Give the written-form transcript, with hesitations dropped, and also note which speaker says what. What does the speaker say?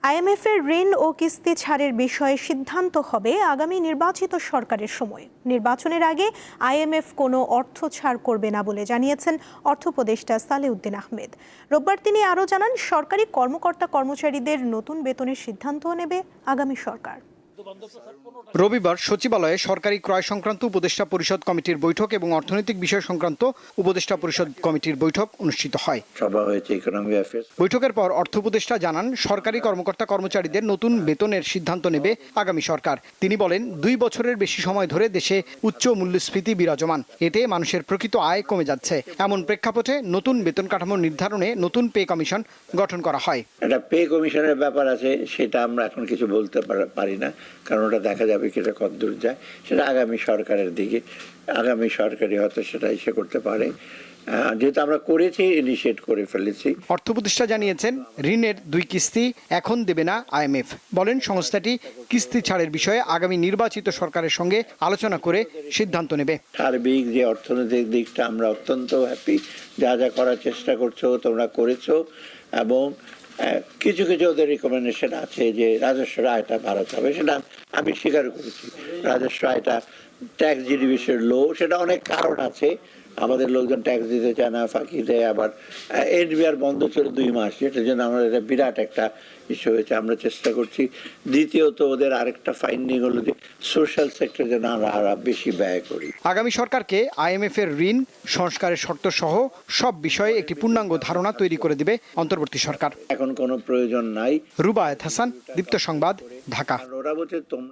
Speaker 1: IMF এর ঋণ ও কিস্তি ছাড়ের বিষয়ে সিদ্ধান্ত হবে আগামী নির্বাচিত সরকারের সময়। নির্বাচনের আগে আইএমএফ কোনো অর্থ ছাড় করবে না বলে জানিয়েছেন অর্থ উপদেষ্টা সালেউদ্দিন আহমেদ। রোববার তিনি আরও জানান, সরকারি কর্মকর্তা কর্মচারীদের নতুন বেতনের সিদ্ধান্তও নেবে আগামী সরকার।
Speaker 2: রবিবার সচিবালয়ে সরকারি ক্রয় সংক্রান্ত উপদেষ্টা পরিষদ কমিটির বৈঠক এবং অর্থনৈতিক বিষয় সংক্রান্ত উপদেষ্টা পরিষদ কমিটির বৈঠক অনুষ্ঠিত হয়। বৈঠকের পর অর্থ উপদেষ্টা জানান, সরকারি কর্মকর্তা কর্মচারীদের নতুন বেতনের সিদ্ধান্ত নেবে আগামী সরকার। তিনি বলেন, 2 বছরের বেশি সময় ধরে দেশে উচ্চ মূল্যস্ফীতি বিরাজমান, এতে মানুষের প্রকৃত আয় কমে যাচ্ছে। এমন প্রেক্ষাপটে নতুন বেতন কাঠামো নির্ধারণে নতুন পে কমিশন গঠন করা হয়।
Speaker 3: একটা পে কমিশনের ব্যাপার আছে, সেটা আমরা এখন কিছু বলতে পারি না, কারণ ওটা দেখা যাবে কি এটা কতদূর যায়, সেটা আগামী সরকারের দিকে, আগামী সরকারই হয়তো সেটা ইসে করতে পারে। যেহেতু আমরা করেছি, ইনিশিয়েট করে ফেলেছি।
Speaker 2: অর্থ উপদেষ্টা জানিয়েছেন, ঋণের 2 কিস্তি এখন দেবে না আইএমএফ। বলেন, সংস্থাটি কিস্তি ছাড়ের বিষয়ে আগামী নির্বাচিত সরকারের সঙ্গে আলোচনা করে সিদ্ধান্ত নেবে।
Speaker 3: সার্বিক যে অর্থনৈতিক দিকটা আমরা অত্যন্ত হ্যাপি, যা যা করার চেষ্টা করছো তোমরা করেছো, এবং কিছু কিছু ওদের রিকমেন্ডেশন আছে যে রাজস্ব আয়টা বাড়াতে হবে, সেটা আমি স্বীকার করেছি। রাজস্ব আয়টা ট্যাক্স জিডিপি লো, সেটা অনেক কারণ আছে। আমাদের লোকজন ট্যাক্স দিতে চায় না, ফাঁকি দেয়, আবার এনবিআর বন্ধ ছিল 2 মাস, যেটার জন্য আমাদের এটা বিরাট একটা ইস্যু হয়েছে। আমরা চেষ্টা করছি। দ্বিতীয়ত, ওদের আরেকটা ফাইন্ডিং হলো যে সোশ্যাল সেক্টর যেন আমরা বেশি ব্যয় করি।
Speaker 2: আগামী সরকারকে আইএমএফ এর ঋণ সংস্কারের শর্ত সহ সব বিষয়ে একটি পূর্ণাঙ্গ ধারণা তৈরি করে দিবে অন্তর্বর্তী সরকার।
Speaker 3: এখন কোনো প্রয়োজন নাই।
Speaker 2: রুবায়েত হাসান, দীপ্ত সংবাদ, ঢাকা।
Speaker 3: ওরা বলছে